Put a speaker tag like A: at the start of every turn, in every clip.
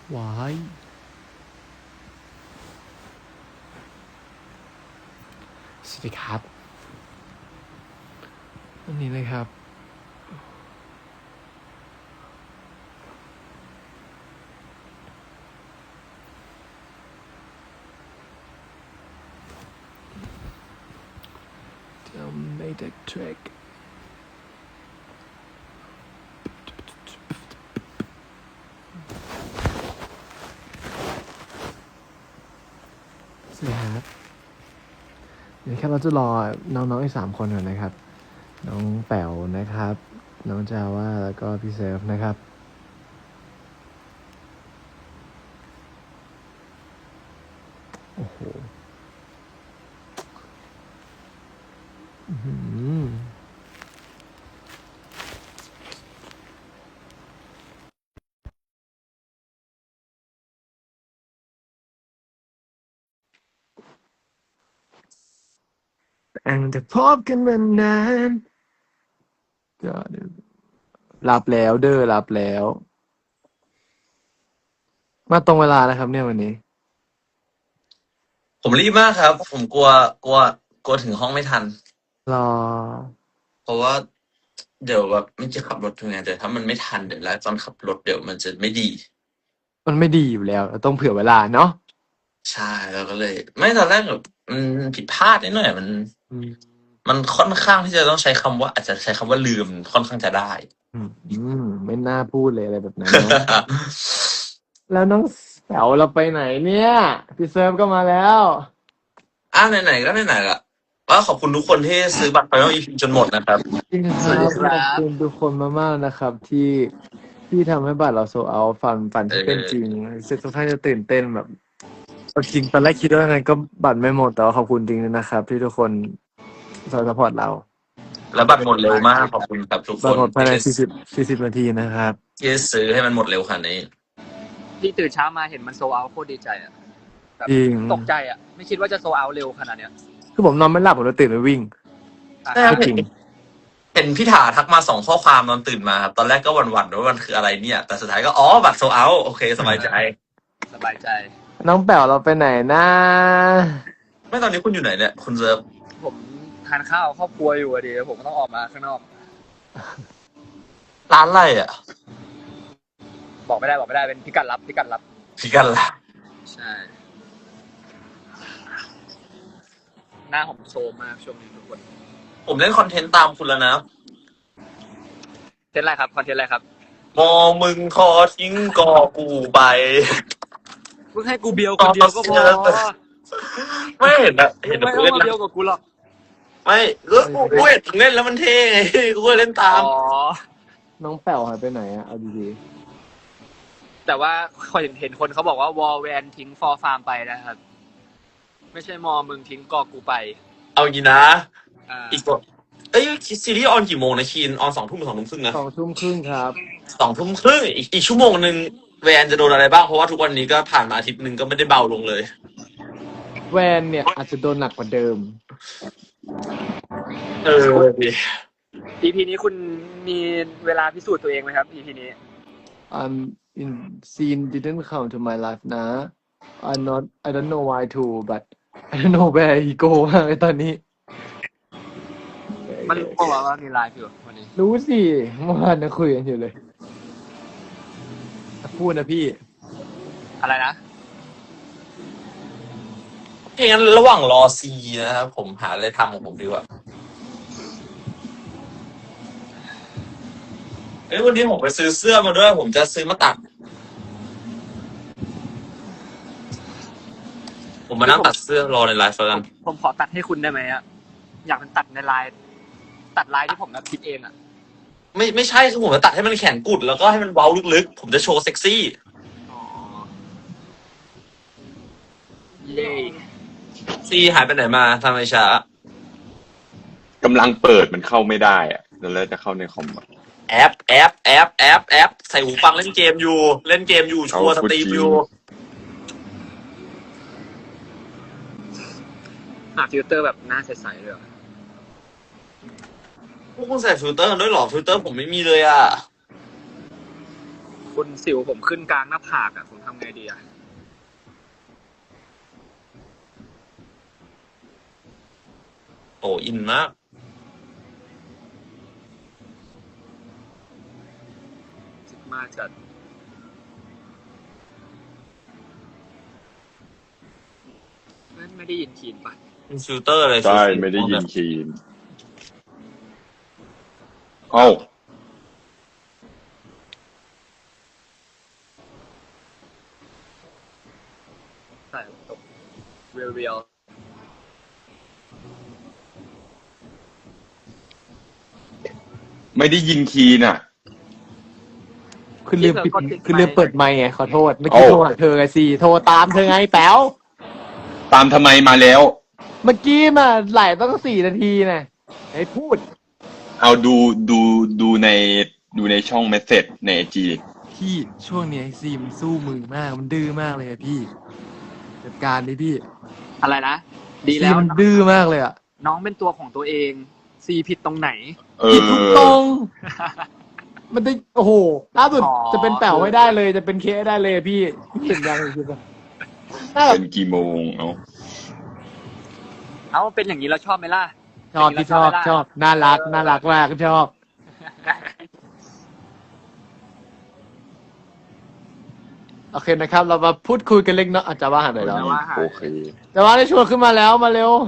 A: วายสวัสดีครับวันนี้นะครับจะไม่ได้เทรคสวัสดีครับเดี๋ยวแค่เราจะรอน้องๆอีก3 คนก่อนนะครับน้องแป๋วนะครับน้องจาว่าแล้วก็พี่เซฟนะครับโอ้โหอังแต่พบกันมานานก็รับแล้วเด้อรับแล้วมาตรงเวลานะครับเนี่ยวันนี้
B: ผมรีบมากครับ ผมกลัวถึงห้องไม่ทัน
A: รอ
B: เพราะว่าเดี๋ยวแบบไม่จะขับรถถึงไงแต่ถ้ามันไม่ทันเดี๋ยวแล้วตอนขับรถเดี๋ยวมันจะไม่ดี
A: มันไม่ดีอยู่แล้วเราต้องเผื่อเวลาเนาะ
B: ใช่เราก็เลย ไม่ตอนแรกแบบมันผิดพลาดนิดหน่อยมัน
A: อืม
B: มันค่อนข้างที่จะต้องใช้คำว่าอาจจะใช้คำว่าลืมค่อนข้างจะได้
A: ไม่น่าพูดเลยอะไรแบบนั้นเนาะแล้วน้องแป๋วเราไปไหนเนี่ยพี่เซิร์ฟก็มาแล้ว
B: ไหนๆก็ไหนๆละก็ขอบคุณทุกคนที่ซื้อบัตร Final EP จนหมดนะครับ
A: จริงค
B: สวัสดี
A: รับขอบ
B: ครับ
A: คุณทุกคนมากๆนะครับที่ทำให้บัตรเราโซเอาฝัน
B: เอ
A: ที่เป็นจริง
B: อ
A: รู้สึกค่อนข้างจะตื่นเต้นแบบเอาจริงตอนแรกคิดว่าไงก็บัตรไม่หมดแต่ว่าขอบคุณจริงนะครับที่ทุกคนซัพพอร์ตเรา
B: แล้วบัตรหมดเร็วมากขอบคุณครับทุกคน
A: บัตรหมดภายใน
B: ที่
A: 40นาทีนะครับ
B: ที่ซื้อให้มันหมดเร็วขนาดนี้
C: ที่ตื่นเช้ามาเห็นมันโซเอาโคตรดีใจอ่ะแบบ
A: จริง
C: ตกใจอ่ะไม่คิดว่าจะโซเอาเร็วขนาดเนี้ย
A: คือผมนอนไม่หลับผมเลยตื่นไปวิ่ง
C: อ่ะ
B: ใช่ครับ
A: ไม่จริง
B: เห็นพี่ถาทักมา2 ข้อความตอนตื่นมาครับตอนแรกก็หวั่นๆว่ามันคืออะไรเนี่ย แต่สุดท้ายก็บัตรโซเอาโอเคสบายใจ
C: สบายใจ
A: น้องแป๋วเราไปไหนนะ
B: ไม่ตอนนี้คุณอยู่ไหนเนี่ยคุณเซิร์ฟ
C: ผมทานข้าวครอบครัวอยู่อะดีผมก็ต้องออกมาข้างนอก
B: ร้านอะไรอ่ะ
C: บอกไม่ได้เป็นพิกัดลับ
B: พี่กันละ
C: ใช่หน้าผมโซมมากช่วงนี้ทุกคน
B: ผมเล่นคอนเทนต์ตามคุณแล้วนะ
C: เทนอะไรครับคอนเทนต์อะไรครับ
B: มอมึงคอทิ้งกอกูไป
C: เพิ่งให้กูเบียวคนเดียวก็พอ
B: ไม่เห็นอะเห็น
C: ไม่
B: คุณ
C: ต้องมา
B: เล่นนะ
C: เบียวกับกูหรอก
B: ไม่กูเห็นมึงเล่นแล้วมันเท่ไงกูก็เล่นตาม
C: อ๋อ
A: น้องแป๋วหายไปไหนอะเอาดี
C: แต่ว่าเห็นคนเขาบอกว่าวอลแวนทิ้งฟอร์ฟาร์มไปนะครับไม่ใช่มอมึงทิ้งกอกูไป
B: เอางี้นะ
C: อ่า
B: อีกตัวเอ้ยซีรีส์ออนกี่โมงนะคีนออน2 ทุ่มหรือ2 ทุ่มครึ่งนะ
A: 2 ทุ่มครึ่งครับ
B: 2 ทุ่มครึ่งอีกชั่วโมงหนึ่งแวนจะโดนอะไรบ้างเพราะว่าทุกวันนี้ก็ผ่านมาอาทิตย์หนึ่งก็ไม่ได้เบาลงเลย
A: แวนเนี่ยอาจจะโดนหนักกว่าเดิม
B: ดิ
C: EP นี้คุณมีเวลาพิสูจน์ตัวเองไหมครับ EP นี้
A: in scene didn't come to my life นะ I don't know why to but I don't know where he go มากเลยตอนนี้
C: มันรู้เปล่าว่ามีไลฟ์อยู่วันนี้
A: รู้สิเมื่อวานยังคุยกันอยู่เลยพูดนะพี่
C: อะไรนะ
B: งั้นระหว่างรอซีนะครับผมหาอะไรทำของผมดีกว่าวันนี้ผมไปซื้อเสื้อมาด้วยผมจะซื้อมาตัดผมมานั่งตัดเสื้อรอในไลฟ์กัน
C: ผมขอตัดให้คุณได้ไหมอะอยากเป็นตัดในไลน์ตัดไลน์ที่ผมแบบคิดเองอะ
B: ไม่ใช่คือผมจะตัดให้มันแขนกุดแล้วก็ให้มันเว้าลึกๆผมจะโชว์เซ็กซี่
C: อ๋อเย่
B: ซีหายไปไหนมาทำไมช้าก
D: ำลังเปิดมันเข้าไม่ได้อะแล้วจะเข้าในคอมอะ
B: แอปใส่หูฟังเล่นเกมอยู่ชัวร์สตรีมอยู่
C: หาฟิลเตอร์แบบหน้าใสๆเลยอะ
B: พวกคุณใส่ฟิลเตอร์กันด้วยเหรอฟิลเตอร์ผมไม่มีเลยอ่ะ
C: คุณสิวผมขึ้นกลางหน้าผากอ่ะผมทำไงดีอ่ะ
B: โอ้อินมาก
C: มาจัดไม่ได้ยินคีนปะ
B: เป็นฟิลเตอร์อะไร
D: ใช่ไม่ได้ยินคีนเอ้า
C: ใส่ตกเรียว
D: ไม่ได้ยินคีนอ่ะ
A: คือลืมปิดคือลืมเปิดไมค์ไงขอโทษเมื่อกี้
D: โอ้
A: โทรหาเธอไงสิโทรตามเธอไงแป๋ว
D: ตามทำไมมาแล้ว
A: เมื่อกี้มาไหลต้อง4 นาทีนะให้พูด
D: เอาดูในช่องเมสเซจในไอจี
A: พี่ช่วงนี้ไอซีมันสู้มือมากมันดื้อมากเลยอะพี่จัดการดิพี่
C: ๆอะไรนะ ดีแล้ว
A: ซีมันดื้อมากเลยอะ
C: น้องเป็นตัวของตัวเองซีผิดตรงไหน
A: ผิดทุกตรง มันได้โอ้โหล่าสุด
C: อ๋อ
A: จะเป็นแป๋วไม่ได้เลย จะเป็นเคสได้เลยพี่เห็นยังคือแบบน่าแบบ
D: เป็นกี่โมงเอา
C: เอาเป็นอย่างนี้เราชอบไหมล่ะ
A: ชอบพี่ชอบน่ารักน่ารักมากชอบโอเคนะครับ เรามาพูดคุยกันเล็กน้อยอาจจะว่าหาหน่อยแล้ว
D: โอเค
A: แต่ว่าได้ชวนขึ้นมาแล้วมาเร็ว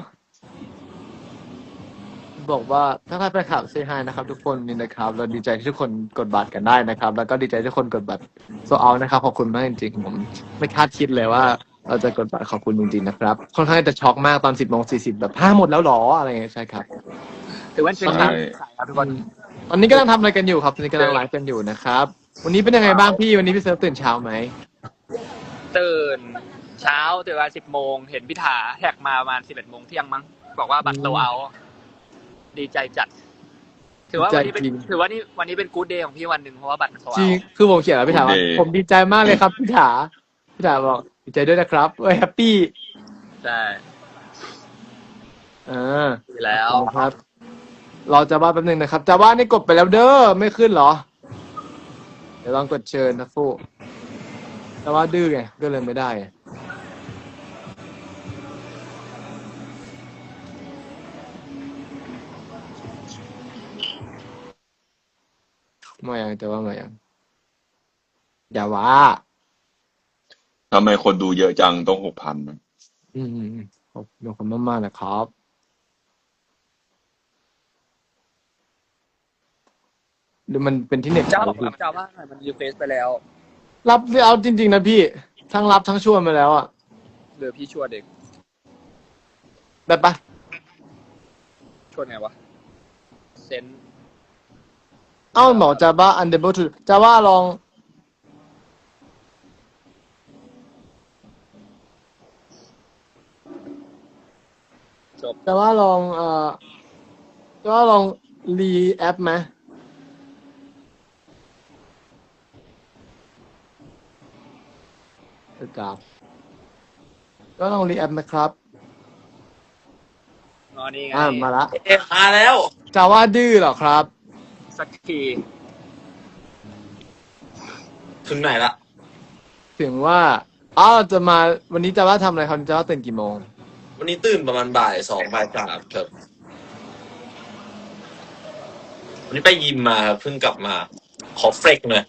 A: บอกว่าถ้าใครไปขับเซฮายนะครับ ทุกคนนี่นะครับ เราดีใจที่ทุกคนกดบัตรกันได้นะครับ แล้วก็ดีใจที่ทุกคนกดบัตรโซเอานะครับขอบคุณมากจริงๆผมไม่คาดคิดเลยว่า เราจะกดบัตรขอบคุณจริงๆนะครับค่อนข้างจะช็อกมากตอน 10:40แบบหมดแล้วหรออะไรเงี้ยใช่ครับ
C: ถือว่าเป็น
D: ใช่
C: การขายครับทุกคน
A: ตอนนี้กำลังทำอะไรกันอยู่ครับตอนนี้กำลังไลฟ์กันอยู่นะครับ วันนี้เป็นยังไงบ้างพี่วันนี้พี่เซิร์ฟตื่นเช้าไหม
C: ตื่นเช้าตื่นมา10 โมงเห็นพิธาแท็กมาประมาณ11 โมงเที่ยงมั้งบอกว่าบัตรโซเอาดีใจจัด ถือว่าวันนี้เป็นถือว่านี่วันนี้เป็นกู๊ดเดย์ของพี่วันหนึ่งเพราะว่าบัตรโซ
A: จ
C: เอา
A: ริงคือผมเขียนแล้วพี่ถามว่า
D: Good day
A: ผมดีใจมากเลยครับพี่ถาบอกดีใจด้วยนะครับแฮปปี้
C: ใช่ ดีแล้ว
A: ครับ เราจะว่าแป๊บนึงนะครับจะว่านี่กดไปแล้วเด้อไม่ขึ้นเหรอ เดี๋ยวลองกดเชิญนะฟูแต่ว่าดื้อไงก็เลยไม่ได้ไงมายังแต่ว่ามายังอย่าว่า
D: ทำไมคนดูเยอะจังต้อง6,000
A: ขอบคุณมากๆนะครับหรือมันเป็นที่เน็ต
C: เจ้าบอกกับเจ้าว่าหน่อยมันรีเควสไปแล้ว
A: รับเอาจริงๆนะพี่ทั้งรับทั้งชวนมาแล้วอ่ะ
C: หรือพี่ชวนเด็ก
A: แบบปะ
C: ชวนไงวะเซน
A: เอ้าหมอจะว่า unable to จะว่าลอง
C: จบ
A: จะว่าลองจะว่าลองรีแอปไหมครับก็ลองรีแอปนะครับ
C: อ๋อนี่ไง
A: มาละ
B: มาแล้ว
A: จะว่าดื้อเหรอครับ
C: สักที
B: ถึงไหนละ
A: ถึงว่าจะมาวันนี้จะว่าทำอะไรครับจะว่าตื่นกี่โมง
B: วันนี้ตื่นประมาณ2:00 บ่าย 3ครับ วันนี้ไปยิมมาครับเพิ่งกลับมา ขอเฟรกหน่อย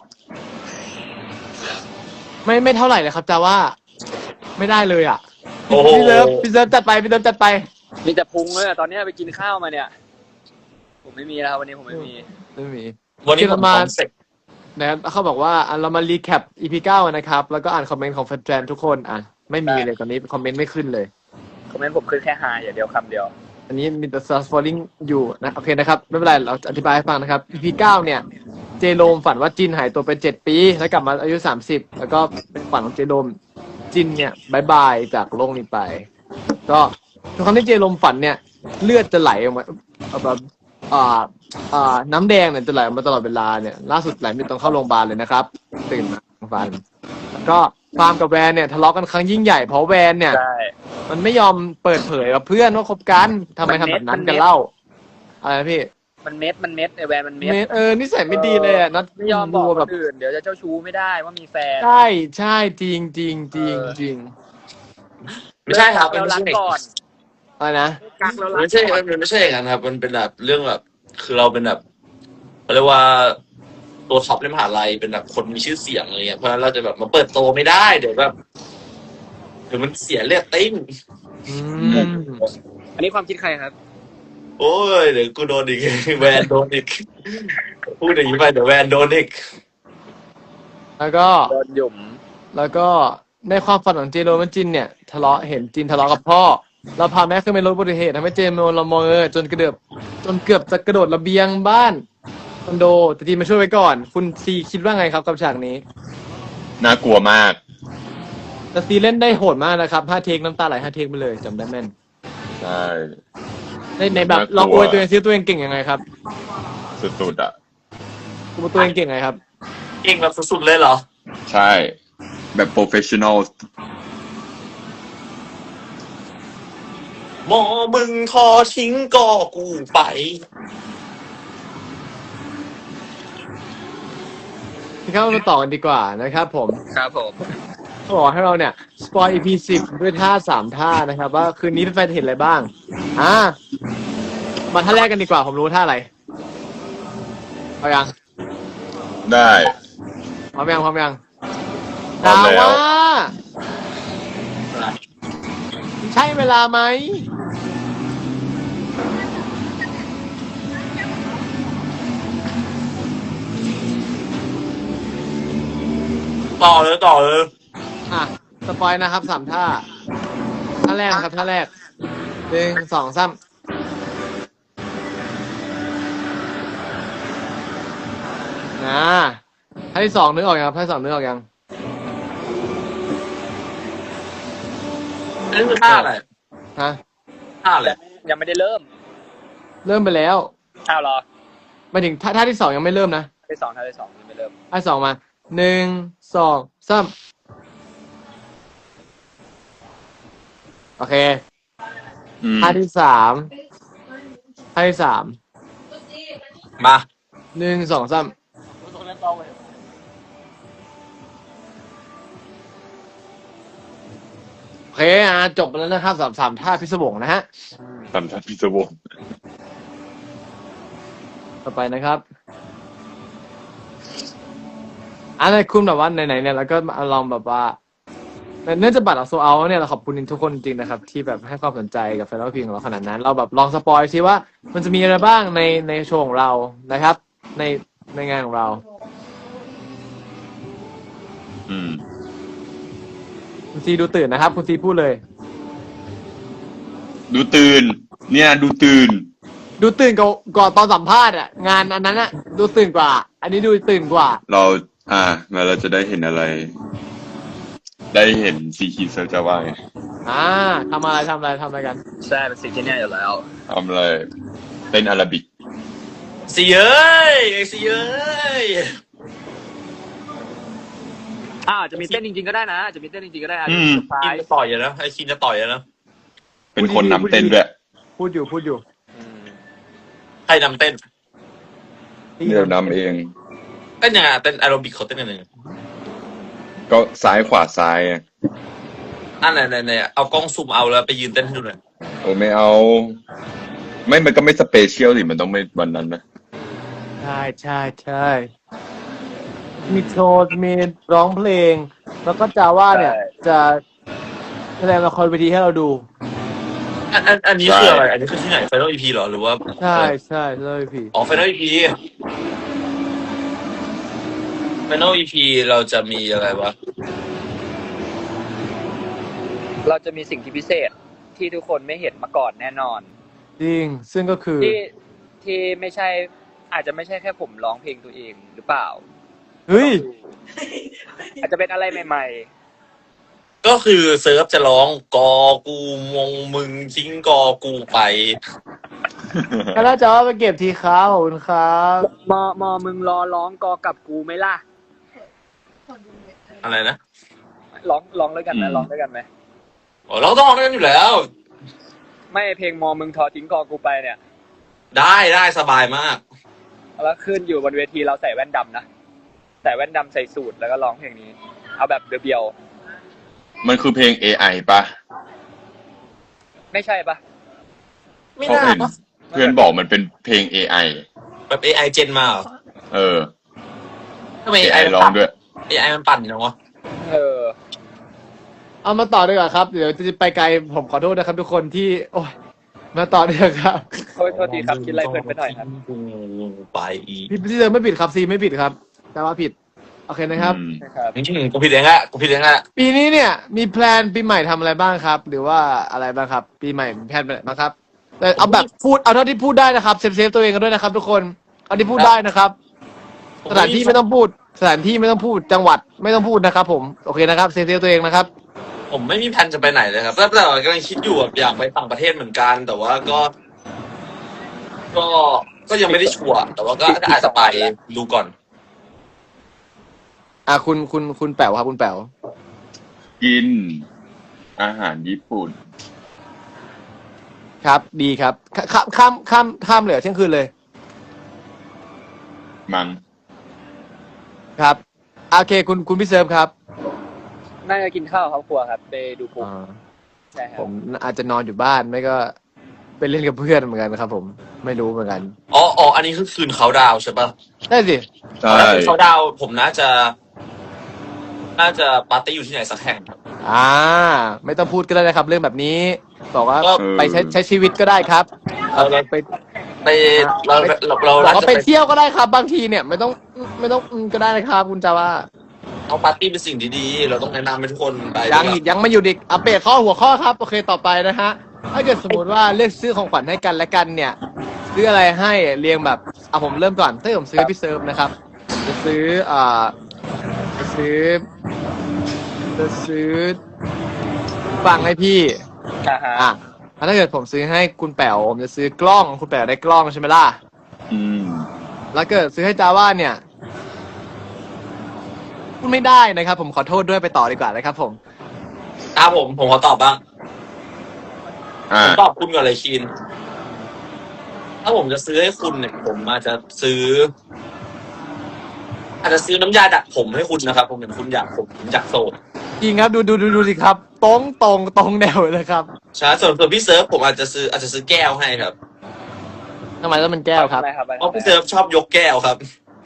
A: ไม่เท่าไหร่เลยครับจะว่าไม่ได้เลยอ่ะ
B: โอ้โห
A: พี่เลิฟจัดไปพี่เลิฟจัดไป
C: มีแต่พุงเลยอะตอนนี้ไปกินข้าวมาเนี่ย ผมไม่มีแล้ววันนี้ผมไม่มี
A: ไม่มี
B: วันนี้ผม
A: มา
B: คอนเซ็ปต์
A: นะครับเขาบอกว่าเรามารีแคป EP 9นะครับ แล้วก็อ่านคอมเมนต์ของแฟนๆทุกคนไม่มีเลยตอนนี้คอมเมนต์ไม่ขึ้นเลย
C: คอมเมนต์ผมขึ้นแค่ไฮอย่างเดียวคำเดียว
A: อันนี้มีแต่ stars falling อยู่นะโอเคนะครับ ไม่เป็นไรเราจะอธิบายให้ฟังนะครับ EP 9เนี่ย เจโรมฝันว่าจินหายตัวไป7 ปีแล้วกลับมาอายุ30แล้วก็เป็นฝันของเจโรมจินเนี่ยบายบายจากโลกนี้ไป ก็ทุกครั้งที่เจโรมฝันเนี่ยเลือดจะไหลออกมาแบบน้ำแดงเนี่ยจะไหลออกมาตลอดเวลาเนี่ยล่าสุดไหลไม่ต้องเข้าโรงพยาบาลเลยนะครับตื่นมาฟันแล้วก็ฟาร์มกับแวนเนี่ยทะเลาะกันครั้งยิ่งใหญ่เพราะแวนเนี่ย
C: ใช่
A: มันไม่ยอมเปิดเผยกับเพื่อนว่าคบกันทำไมทำแบบนั้นกันเล่าอะไรนะพี่
C: มันเม็ดไอแวนมันเม็ด
A: นิสัยไม่ดีเลยอ่ะนัด
C: ไม่ยอมบอก
A: ดู
C: ค
A: แบบ
C: นอื่นเดี๋ยวจะเจ้าชู้ไม่ได้ว่ามีแฟน
A: ใช่ใช่จริงจริงจริงจริง
B: ไม่ใช่ครับ
C: เรารักก่อน
A: อะไรนะ
C: กักเรารัก
B: ไม่ใช่
C: ก่อน
B: มันไม่ใช่อย่างนั้นครับ มันเป็นแบบเรื่องแบบ คือเราเป็นแบบเขาเรียกว่าตัวท็อปในมหาลัยเป็นแบบคนมีชื่อเสียงอะไรเงี้ยเพราะฉะนั้นเราจะแบบมาเปิดโตไม่ได้เดี๋ยวแบบเดี๋ยวมันเสียเรตติ้ง
A: อืม
C: อันนี้ความคิดใครครับ
B: โอ้ยเดี๋ยวกูโดนอีก แวนโดนอีกพูดอย่างนี้ไปเดี๋ยวแวนโดนอีก
A: แล้วก็
C: โดนหยุ่ม
A: แล้วก็ในความฝันของเจโรมันจินเนี่ยเห็นจินทะเลาะกับพ่อเราพาแม่ขึ้นไปรถอุบัติเหตุทำให้เจโรละเมอจนเกือบจะกระโดดระเบียงบ้านคอนโดแต่จีนมาช่วยไว้ก่อน คุณซีคิดว่าไงครับกับฉากนี้
D: น่ากลัวมาก
A: แต่ซีเล่นได้โหดมากนะครับ5 เทคน้ำตาไหล5 เทคไปเลยจำได้แม่น
D: ใช่
A: ในแบบ
D: น่ากลัว
A: ลองอวยตัวเองซิตัวเองเก่งยังไงครับ
D: สุดๆอ่ะ
A: คุณตัวเองเก่งไงครับ
B: เก่งแบบสุดๆเลยเหรอ
D: ใช่ แบบโปรเฟชชั่นอล
B: หมอมึงทอทิ้งก็กูไป
A: ที่เข้ามาต่อกันดีกว่านะครับผม
C: ครับผม
A: เขาบอกให้เราเนี่ยสปอย EP 10ด้วยท่า3 ท่านะครับ ว่าคืนนี้แฟนๆเห็นอะไรบ้างมาท่าแรกกันดีกว่าผมรู้ท่าอะไรเอายัง
D: ได้
A: พร้อมยัง
D: พร้อม
A: ดา
D: แล้ว
A: ว่าใช่เวลาไหม
B: ต่อเลย
A: สปอยนะครับ3 ท่าแรกนะครับท่าแรก1 2 3ท่าที่ 2นึกออกยังครับท่าที่ 2นึกออกยัง
B: อันนี้คือท่าอะไร
A: ฮะ
B: ท่าอะไร
C: ยังไม่ได้เริ่ม
A: เริ่มไปแล้ว
C: อ้าวเหรอ
A: หมายถึงท่าที่ 2ยังไม่เริ่มนะ
C: ท่าที่สองยังไม่เริ่ม
A: ท่าที่ 2มา1 2 3โอเค
D: อืม
A: ท่าที่ 3
B: มา
A: 1 2 3โอเคจบไปแล้วนะครับ3 ท่าพิศวงนะฮะ
D: ตามทันพิศวง
A: ต่อไปนะครับในคุณแบบว่าไหนๆเนี่ยแล้วก็มาลองแบบว่าเนื่องจากบัตรโซเอาเนี่ยเราขอบคุณทุกคนจริงๆนะครับ ที่แบบให้ความสนใจกับแฟนเพลงของเราขนาดนั้น เราแบบลองสปอยซิว่ามันจะมีอะไรบ้างในโชว์ของเรานะครับ ในงานของเรา
D: อืม
A: คุณซีดูตื่นนะครับ คุณซีพูดเลย
D: ดูตื่น เนี่ย ดูตื่น
A: ดูตื่นก่อนตอนสัมภาษณ์งานอันนั้นดูตื่นกว่า อันนี้ดูตื่นกว่า
D: เรามาเราจะได้เห็นอะไร ได้เห็นซีคีเซอร์จะว่าไง
A: ทำอะไรกัน
C: ใช่เป็นสิ่งที่เนี่ยอยู่แล้ว
D: ทำอะไรเต้นอาราบิก
B: สีเอ้ย
C: จะมีเต้นจริงๆก็ได้นะจะมีเต้นจริงๆก็ได้อาจ
D: อื
C: จะ
D: ม
C: เซอร์ไพร
B: คิน
C: ส์
B: จะต่อยนะไอ้คินจะต่อยนะ
D: เป็นคนนำเต้นด้วย
A: พูดอยู่
B: ใครนำเต้น
D: เดี๋ยวนำเอง
B: เต้นยังไงเต้นแอโรบิกเขาเต้นยังไง
D: ก็ซ้ายขวาซ้ายอะ
B: ไหนเอากล้องซูมเอาแล้วไปยืนเต้นให้ดูหน่อย
D: โอ้ไม่เอา ไม่มันก็ไม่สเปเชียลสิมันต้องไม่วันนั้นนะ
A: ใช่มีโชว์มีร้องเพลง แล้วก็จาว่าเนี่ย จะแสดงละครเวทีให้เราดู
B: อันนี้คืออะไร อันนี้คือที่ไหน Final EP เหรอหรือว่า
A: ใช่เลยพี่
B: อ๋อ Final EP Final EP เราจะมีอะไรวะ
C: เราจะมีสิ่งที่พิเศษที่ทุกคนไม่เห็นมาก่อนแน่นอน
A: จริง ซึ่งก็คือ
C: ที่ไม่ใช่อาจจะไม่ใช่แค่ผมร้องเพลงตัวเองหรือเปล่า
A: เฮ้ย
C: อาจจะเป็นอะไรใหม่
B: ก็คือเซิร์ฟจะร้องกอกูมงมึงทิ้งกอกูไป
A: ก็น่าจะว่าไปเก็บทีครับขอบคุณครับ
C: ๆมอมึงรอร้องกอกับกูไหมล่ะ
B: อะไรนะ
C: ร้องด้วยกันไหมร้องด้วยกันไหม
B: อ๋อเราต้องร้องด้วยกันอยู่แล้ว
C: ไม่เพลงมอมึงทอทิ้งกอกูไปเนี่ย
B: ได้สบายมาก
C: แล้วขึ้นอยู่บนเวทีเราใส่แว่นดำนะใส่แว่นดำใส่สูทแล้วก็ร้องเพลงนี้ เอาแบบเบียว
D: มันคือเพลง AI ปะ
C: ๆไม่ใช่ปะ
B: ไม่
D: เพราะ
B: น่า
D: เห็นเพื่อนบอกมันเป็นเพลง AI
B: แบบ AI เจนมาเหรอ
D: เออ
B: ทำไม
D: AI ร้องด้วย
B: AI มันปั่นอย่างวะ
C: เออ
A: เอามาต่อดีกว่าครับเดี๋ยวจะไปไกลผมขอโทษนะครับทุกคนที่โอ้ยมาต่อดีกว่าครับ
C: โทษทีครับคิดอะไรเพลินไปหน่อยครับ
B: ไปอีก
A: พี่เจอไม่ผิดครับซีไม่ผิดครับแต่ว่าผิดโอเคนะครับ
C: นะครับ
B: กูผิดเองอะกูผิดเองอะ
A: ปีนี้เนี่ยมีแพลนปีใหม่ทำอะไรบ้างครับ หรือว่าอะไรบ้างครับ ปีใหม่มีแพลนอะไรบ้างครับแต่เอาแบบพูดเอาเท่าที่พูดได้นะครับเซฟตัวเองกันด้วยนะครับ ทุกคนเอาที่พูดได้นะครับ สถานที่ไม่ต้องพูดสถานที่ไม่ต้องพูดจังหวัดไม่ต้องพูดนะครับ ผมโอเคนะครับเซฟตัวเองนะครับ
B: ผมไม่มีแผนจะไปไหนเลยครับแต่กำลังคิดอยู่แบบอยากไปต่างประเทศเหมือนกัน แต่ว่าก็ยังไม่ได้ชัวร์แต่ว่าก็อาจจะไปดูก่อน
A: คุณแป๋วครับคุณแป๋ว
D: กินอาหารญี่ปุ่น
A: ครับ ดีครับข้ามเหลือเที่ยงคืนเลย
D: มั้ง
A: ครับโอเคคุณพี่เซิร์ฟครับ
C: น่าจะกินข้าวครอบครัวครับไปดูปุ๊บใช่ครั
A: ผ
C: บ
A: มอาจจะนอนอยู่บ้านไม่ก็ไปเล่นกับเพื่อนเหมือนกันครับ ผมไม่รู้เหมือนกัน
B: อ๋ออันนี้คือคืนเขาดาวน์ใช่ปะ
A: ได้สิ
D: ใช่
B: ถ้าคืนเขาดาวน์ผมน่าจะปาร์ตี้อยู่ที่ไหนสักแห่งครับ
A: ไม่ต้องพูดก็ได้นะครับ เรื่องแบบนี้บอกว่า
B: ก็
A: ไปใช้ชีวิตก็ได้ครับ
B: เราไปเรา
A: บอก
B: น่า
A: ว่า
B: จะ
A: ไป
B: ไป
A: เที่ยวก็ได้ครับ บางทีเนี่ยไม่ต้องก็ได้นะครับ คุณจาว่า
B: เอาปาร์ตี้เป็นสิ่งดีๆเราต้องแนะนำให้ทุกคนไป
A: ยังไม่อยู่ดิอัปเดตหัวข้อครับโอเคต่อไปนะฮะถ้าเกิดสมมติว่าเลือกซื้อของขวัญให้กันและกันเนี่ย ซื้ออะไรให้เรียงแบบผมเริ่มก่อนถ้าผมซื้อให้พี่เซิร์ฟนะครับจะซื้อฟังให้พี่
C: อ่าฮะ
A: ถ้าเกิดผมซื้อให้คุณแป๋วผมจะซื้อกล้องคุณแป๋วได้กล้องใช่ไหมล่ะ
D: อืม
A: แล้วเกิดซื้อให้จาว่าเนี่ยพูดไม่ได้นะครับ ผมขอโทษด้วยไปต่อดีกว่านะครับ ผม
B: ผมขอตอบบ้าง ผมตอบคุณก่อนเลยคีนถ้าผมจะซื้อให้คุณเนี่ยผมอาจจะซื้อน้ำยาดัดผมให้คุณนะครับ ผมเห็นคุณอยากโสด
A: จริงครับดูสิครับตรงแนวเลยครับ
B: ใช่ส่วนพี่เซิร์ฟผมอาจจะซื้อแก้วให้ครับ
A: ทำไมต้องเป็นแก้วครับ
B: เพราะพี่เซิร์ฟชอบยกแก้วครับ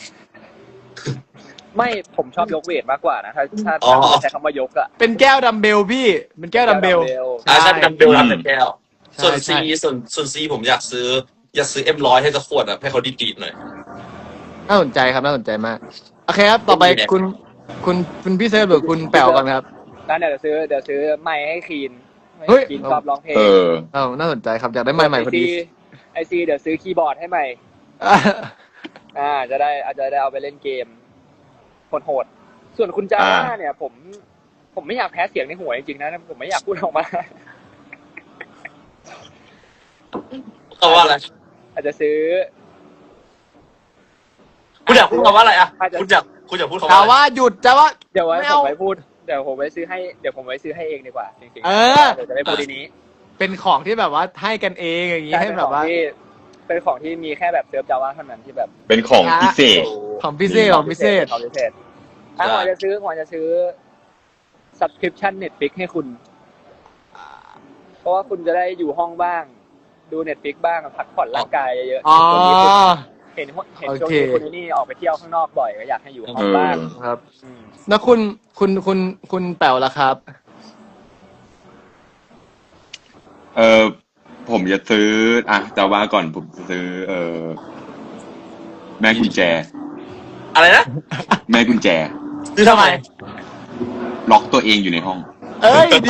C: ไม่ผมชอบยกเวทมากกว่านะถ้าใช้คำว่ายกอะ
A: เป็นแก้วดัมเบลพี่เป็นแก้วดัมเบล
B: ใช่เป็นดัมเบลรับแต่แก้ว
A: ใช่
B: ส่วน
A: ใช่
B: ซีผมอยากซื้อM100ให้สักขวดอะให้เขาดีๆหน่อย
A: น่าสนใจครับน่าสนใจมากโอเคครับต่อไปคุณพี่เซิร์ฟหรือคุณแป๋วก่อนครับ
C: นั่นเดี๋ยวซื้อไมค์ให้คีน
A: เฮ้ย
C: คีนชอบร้องเพลง
D: เออ
A: น่าสนใจครับอยากได้ไมค์ใหม่พอดี
C: ไอซีเดี๋ยวซื้อคีย์บอร์ดให้ใหม่ อาจจะได้เอาไปเล่นเกมโหดๆส่วนคุณจาร่าเนี่ย ผมไม่อยากแพ้เสียงในหัวจริงๆนะผมไม่อยากพูดออกมา
B: เขาว่าอะไร
C: อาจจะซื้อ
B: คุณอยากพูดคำว่าอะไรอะคุณอยากพูดคำ
A: จา
B: ว่าอะไร
A: ว่าหยุดจาว่า
C: เดี๋ยวไว้
A: ไม่
C: ผ
A: เอา
C: มไว้พูดเดี๋ยวผมไว้ซื้อให้เองดีกว่าจริงๆ
A: เออ
C: เดี๋ยวจะไม่พูดทีนี้
A: เป็นของที่แบบว่าให้กันเองอย่างนี้ให้แบบว่า
C: เป็นของที่มีแค่แบบเซิร์ฟจาว่าเท่านั้นที่แบบ
D: เป็นของพิเศษ
A: ของพิเศษ
C: ของพิเศษถ้าหมอจะซื้อ subscription Netflix ให้คุณ เพราะว่าคุณจะได้อยู่ห้องบ้าง ดู Netflix บ้างพักผ่อนร่างกายเยอะๆ
A: อ๋อ
C: เห็นช่วงนี้คุณนี่ออกไปเที่ยวข้างนอกบ่อยก็อยากให้อยู่ห้องบ้าง
A: ครับแล้วคุณแป๋วล่ะครับ
D: ผมจะซื้อจะว่าก่อนผมจะซื้อแม่กุญแจ
B: อะไรนะ
D: แม่กุญแจ
B: ซื้อทำไม
D: ล็อกตัวเองอยู่ในห้อง
A: เอ้ยดี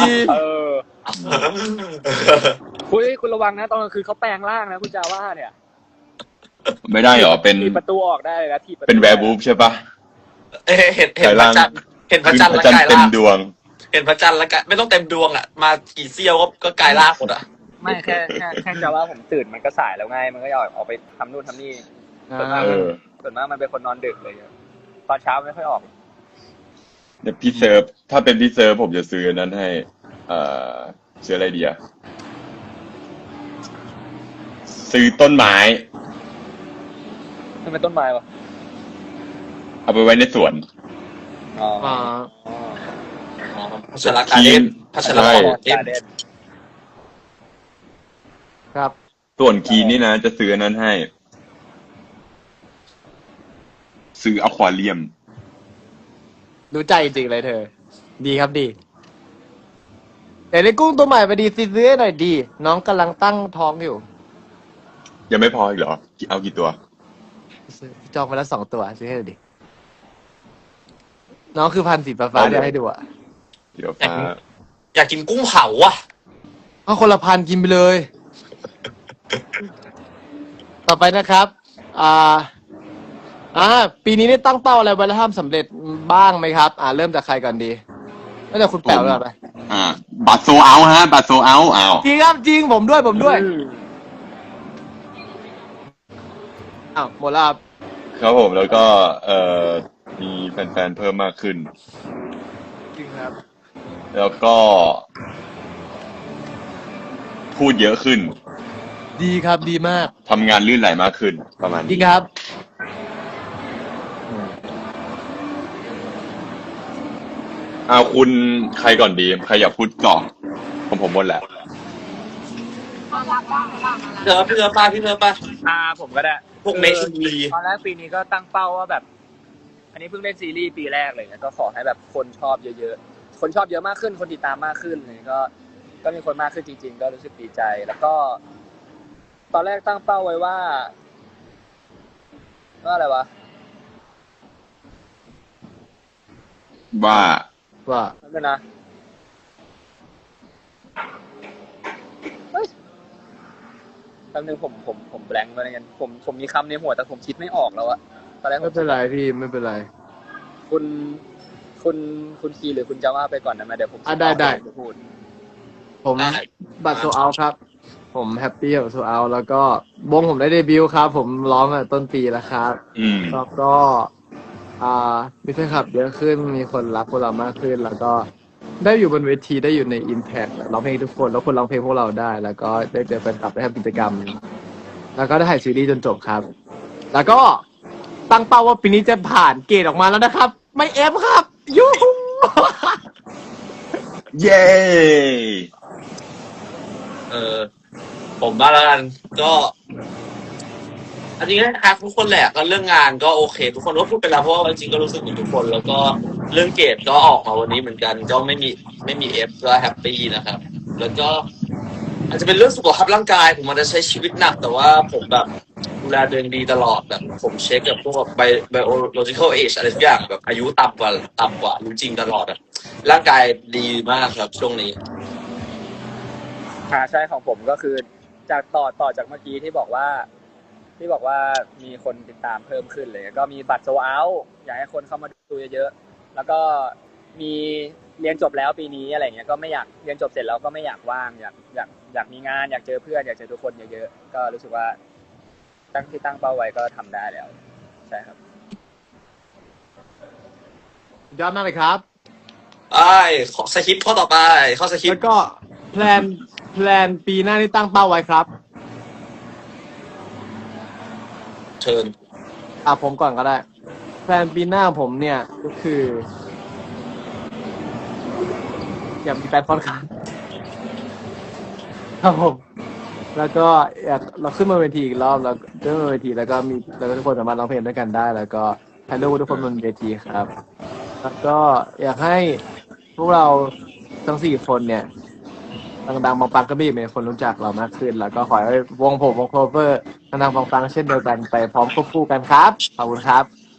C: คุณระวังนะตอนกลางคืนเขาแปลงร่างนะคุณจาว่าเนี่ย
D: ไม่ได้เหรอเป็น
C: ถีบประตูออกได้เลยนะถีบประตู
D: เป็นแวร์บูฟใช่ปะ
B: เห็นพระจันทร์แล้วกาย
D: เต็
B: ล่าม ง
D: ดวง
B: เห็นพระจันทร์แล้วกายไม่ต้องเต็มดวงอะมากี่เซี่ยวก็กายล่างหมดอะ
C: ไม่แค่จาว่าผมตื่นมันก็สายแล้วไงมันก็อยากออกไปทำนู่นทำนี่ ส่วนมากมันเป็นคนนอนดึกเลยตอนเช้าไม่ค่อยออก
D: เดี๋ยวพี่เซิร์ฟถ้าเป็นพี่เซิร์ฟผมจะซื้อนั้นให้ซื้ออะไรดีอะเซซื้อต้นไม้
C: ทำไมต้นไม้วะ
D: เอาไปไว้ในสวน
C: อ๋อ
A: อ่า
B: พัชรการเด่นพัชรการเด่น
C: การเด่น
A: ครับ
D: ส่วนคีนี่นะ จะซื้ออันนั้นให้ ซื้ออควาเรียม
A: รู้ใจจริงๆเลยเธอ ดีครับดีแต่ในกุ้งตัวใหม่ไปดีซื้อให้หน่อยดี น้องกำลังตั้งท้องอยู่
D: ยังไม่พออีกเหรอ เอากี่ตัว
A: จองไปแล้ว2 ตัวซื้อให้หน่อยดิ น้องคือพันธุ์สีฟ้าๆจะให้ดูอ่ะ
D: เดี๋ยวฟ้า
B: อยากกินกุ้งเผาอ่ะ
A: เอาคนละพันกินไปเลย ต่อไปนะครับ ปีนี้ได้ตั้งเป้าอะไรไว้แล้วทำสำเร็จบ้างไหมครับ เริ่มจากใครก่อนดีตั้งแต่คุณแป๋วเลยไป
D: บัตรโซเอาฮะ บัตรโซเอาอ้าว
A: จริงครับจริงผมด้วยหมดแล้วครับ
D: ครับผมแล้วก็มีแฟนๆเพิ่มมากขึ้น
A: จริงครับ
D: แล้วก็ พูดเยอะขึ้น
A: ดีครับดีมาก
D: ทำงานลื่นไหลมากขึ้น ประมาณ
A: จริ
D: นี้
A: งครับ
D: คุณใครก่อนดี ใครอยากพูดก่อนผมหมดแหละ
B: พี่เธอป้า
C: ผมก็ได้
B: พวกเมทีวี
C: ตอนแรกปีนี้ก็ตั้งเป้าว่าแบบ อันนี้เพิ่งเล่นซีรีส์ปีแรกเลยนะก็ขอให้แบบคนชอบเยอะๆ คนชอบเยอะมากขึ้น คนติดตามมากขึ้นเลยก็มีคนมากขึ้นจริงๆ ก็รู้สึกดีใจ แล้วก็ ตอนแรกตั้งเป้าไว้ว่าอะไรวะ
D: ว่า
C: นั่นเป็นนะแป๊บนึงผมแบงค์ไปเลยกันผมมีคำในหัวแต่ผมคิดไม่ออกแล้วอะตอนแรก
A: ไม่เป็นไรพี่ไม่เป็นไร
C: คุณคีหรือคุณจะว่าไปก่อนนะมาเดี๋ยวผม
A: ได้
C: จะพูด
A: ผมบัตรโซเอาครับ ผมแฮปปี้กับโซเอาแล้วก็วงผมได้เดบิวต์ครับ ผมร้องต้นปีแล้วครับ แล้วก็มีแฟนคลับเยอะขึ้นมีคนรักพวกเรามากขึ้น แล้วก็ได้อยู่บนเวทีได้อยู่ใน Impact ร้องเพลงทุกคนแล้วคนร้องเพลงพวกเราได้ แล้วก็ได้เจอแฟนคลับได้ทำกิจกรรม แล้วก็ได้ถ่ายซีรีส์จนจบครับ แล้วก็ตั้งเป้าว่าปีนี้จะผ่านเกรดออกมาแล้วนะครับ ไม่เอฟครับยูฮู
D: เย้
B: ผมมาแล้วกันก็อันนี้นะครับทุกคนแหละก็เรื่องงานก็โอเค ทุกคนก็พูดไปแล้วเพราะว่าจริงๆก็รู้สึกเหมือนทุกคน แล้วก็เรื่องเกรดก็ออกมาวันนี้เหมือนกัน ก็ไม่มีเอฟก็แฮปปี้นะครับ แล้วก็ อาจจะเป็นเรื่องสุขภาพร่างกายผมมันจะใช้ชีวิตหนัก แต่ว่าผมแบบดูแลตัวเองดีตลอดแบบผมเช็คกับพวกbiological age อะไรทุกอย่างแบบอายุต่ำกว่ารู้จริงตลอดอะร่างกายดีมากครับช่วงนี้
C: ใช่ของผมก็คือจากต่อจากเมื่อกี้ที่บอกว่ามีคนติดตามเพิ่มขึ้นเลยก็มีบัตรโซเอาอยากให้คนเข้ามาดูเยอะๆแล้วก็มีเรียนจบแล้วปีนี้อะไรเงี้ยก็ไม่อยากเรียนจบเสร็จแล้วก็ไม่อยากว่างอยากมีงานอยากเจอเพื่อนอยากเจอทุกคนเยอะๆก็รู้สึกว่าตั้งเป้าไว้ก็ทำได้แล้วใช่ครับ
A: ยอดมากเลยครับ
B: สคริปต์ข้อต่อไปข้อสคริป
A: แล้ว
B: ต์
A: ก็แพลนปีหน้าที่ตั้งเป้าไว้ครับ
B: เชิญ
A: ผมก่อนก็ได้ แพลนปีหน้าผมเนี่ยก็คือ อยากมีแฟนคอนครับครับผม แล้วก็อยากเราขึ้นมาเวทีอีกรอบแล้วขึ้นมาเวทีแล้วก็ทุกคนสามารถร้องเพลงด้วยกันได้ แล้วก็ถ่ายรูปกับทุกคนบนเวทีครับ แล้วก็อยากให้พวกเราทั้ง4 คนเนี่ยดังๆปังๆก็มีคนรู้จักเรามากขึ้น แล้วก็ขอให้วงโคเวอร์ดังๆปังๆเช่นเดียวกันไปพร้อมควบคู่กันครับขอบคุณครับ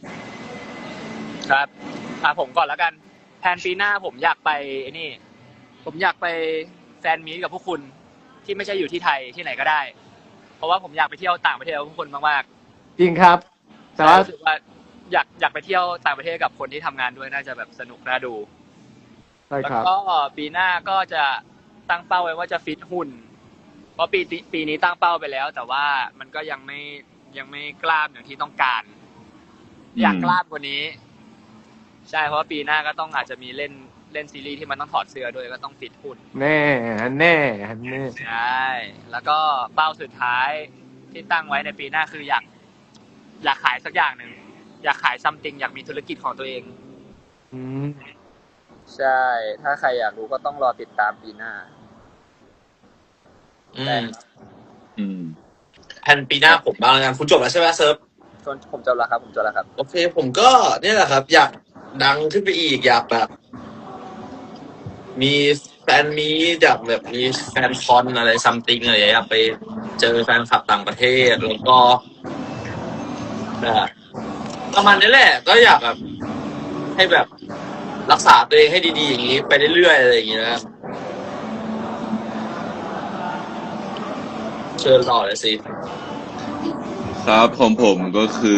C: ครับผมก่อนแล้วกันแผนปีหน้าผมอยากไปนี่ผมอยากไปแฟนมีตกับพวกคุณที่ไม่ใช่อยู่ที่ไทยที่ไหนก็ได้ เพราะว่าผมอยากไปเที่ยวต่างประเทศกับพวกคุณมากๆ
A: จริงครับ แต่ว่า
C: รู้สึกว่าอยากไปเที่ยวต่างประเทศกับคนที่ทำงานด้วยน่าจะแบบสนุกน่าดู
A: ใช่
C: แล้ว
A: ครับ
C: ก็ปีหน้าก็จะตั้งเป้าไว้ว่าจะฟิตหุ่นเพราะปีนี้ตั้งเป้าไปแล้ว แต่ว่ามันก็ยังไม่กล้ามอย่างที่ต้องการ อยากกล้ามกว่านี้ ใช่เพราะว่าปีหน้าก็ต้องอาจจะมีเล่นซีรีส์ที่มันต้องถอดเสื้อด้วยก็ต้องฟิตหุ่น
A: แน่
C: ใช่แล้วก็เป้าสุดท้ายที่ตั้งไว้ในปีหน้าคืออยากขายสักอย่างหนึ่งอยากขายซัมติงอยากมีธุรกิจของตัวเอง
A: อืม
C: ใช่ ถ้าใครอยากรู้ก็ต้องรอติดตามปีหน้า
B: อืม
D: อืม
B: แผนปีหน้าผมบ้างแล้วกันคุณจบแล้วใช่ไหมเซิร์ฟ
C: ผมจบแล้วครับ
B: โอเค ผมก็เนี่ยแหละครับ อยากดังขึ้นไปอีกอยากแบบ มีแฟนมีอยากแบบมีแฟนคอนอะไรซัมติงอะไรอยากไปเจอแฟนคลับต่างประเทศแล้วก็แบบประมาณนี้แหละ ก็อยากแบบ ให้แบบรักษาตัวเองให้ดีๆอย่างนี้ไปเรื่อยๆอะไรอย่างเงี้ยนะเชิญต่อเลยสิ
D: ครับของผมก็คือ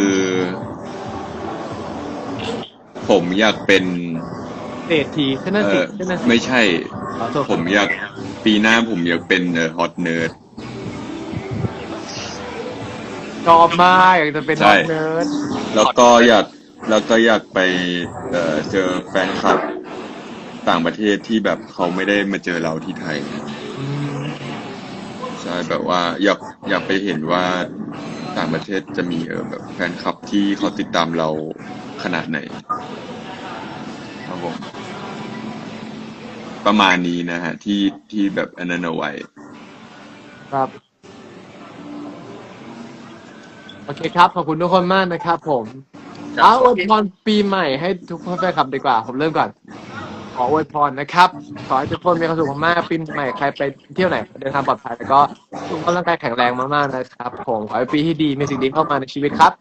D: ผมอยากเป็น
A: เศรษฐีขึ้นนั่นสิขึ้นนั่นสิ
D: ไม่ใช่
A: ขอโทษ
D: ผมอยากปีหน้าผมอยากเป็นฮอตเนิร์ด
A: ชอบมากอยากจะเป็น
D: ใช่
A: น้องเนิร์ด
D: แล้วก็อยากไปเจอแฟนคลับต่างประเทศที่แบบเขาไม่ได้มาเจอเราที่ไทย
A: อืม
D: ใช่แบบว่าอยากไปเห็นว่าต่างประเทศจะมีแบบแฟนคลับที่เขาติดตามเราขนาดไหนครับผมประมาณนี้นะฮะที่แบบอันนั้นเอาไว้
A: ครับ โอเคครับ ขอบคุณทุกคนมากนะครับผม เอาอวยพรปีใหม่ให้ทุกคนแฟนคลับดีกว่า ผมเริ่มก่อน ขออวยพรนะครับ ขอให้ทุกคนมีความสุขมากๆปีใหม่ใครไปเที่ยวไหนเดินทางปลอดภัยแล้วก็สุขภาพร่างกายแข็งแรงมากๆนะครับผมขอให้ปีที่ดีมีสิ่งดีเข้ามาในชีวิตครับ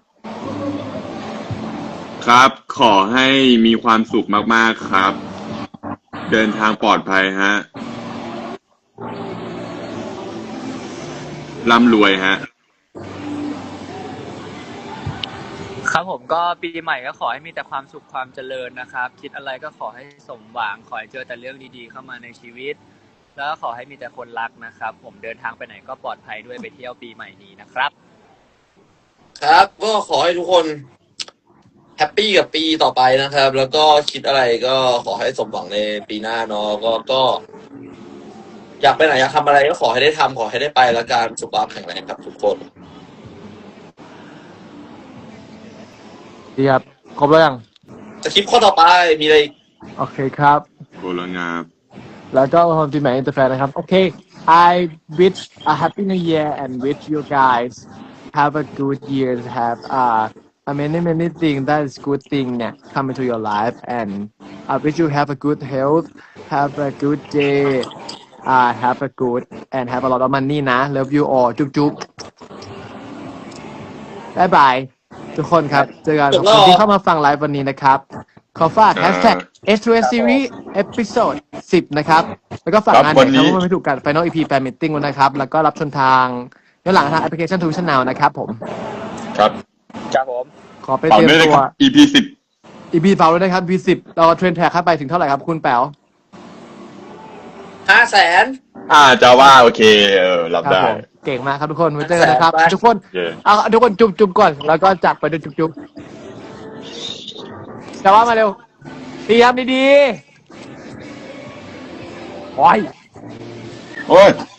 D: ครับ ขอให้มีความสุขมากๆครับ เดินทางปลอดภัยฮะร่ำรวยฮะ
C: ครับผมก็ปีใหม่ก็ขอให้มีแต่ความสุขความเจริญนะครับ คิดอะไรก็ขอให้สมหวังขอให้เจอแต่เรื่องดีๆเข้ามาในชีวิต แล้วก็ขอให้มีแต่คนรักนะครับ ผมเดินทางไปไหนก็ปลอดภัยด้วยไปเที่ยวปีใหม่นี้นะครับ
B: ครับ ก็ขอให้ทุกคนแฮปปี้กับปีต่อไปนะครับ แล้วก็คิดอะไรก็ขอให้สมหวังในปีหน้าเนาะก็อยากไปไหนอยากทำอะไรก็ขอให้ได้ทำขอให้ได้ไปแล้วกันสุขภาพแข็งแรงครับทุกคน
A: ดีครับ ครบแล้วยัง
B: จะคลิปข้อต่อไปมีอะไรอีก
A: โอเคครับ
D: โบลงาบ
A: แล้วก็ความปีใหม่อินเตอร์แฟนนะครับ โอเค I wish a happy new year and wish you guys have a good year have many things that is good thing เนี่ย come into your life and I wish you have a good health have a good day have a good and have a lot of money นะ love you all จุ๊บจุ๊บายบายทุกคนครับ เจอกันขอบคุณที่เข้ามาฟังไลฟ์วันนี้นะครับ ขอฝาก hashtag S2S Series Episode 10 นะครับ แล้วก็ฝากงาน
D: ครับวันนี้
A: เด็กทั้งหมดไม่ถูกกัน Final EP Fan Meeting ด้วยนะครับ แล้วก็รับชมทางย้อนหลังทางแอปพลิเคชัน Tuition Now นะครับผม
D: ครับ
C: ครับผม
A: ขอไป
D: ต่อ
A: เตรียม
D: ด้วยนะ
A: ตั
D: คว รับ EP 10
A: EP เปล่าด้วยนะครับ EP 10เราเทรนแท็กเข้าไปถึงเท่าไหร่ครับ คุณแป๋ว
B: 500,000
D: จะว่าโอเค รับ
A: ครับ
D: ได้
A: ผมเก่งมากครับทุกคนไว้เจอกันนะครับ
B: ไป
A: ทุกคน
D: เย้
A: เอาทุกคนจุ๊บๆก่อน แล้วก็จับไปด้วยจุ๊บๆจะว่ามาเร็วดีครับดีๆโอ้ย
D: โอ้ย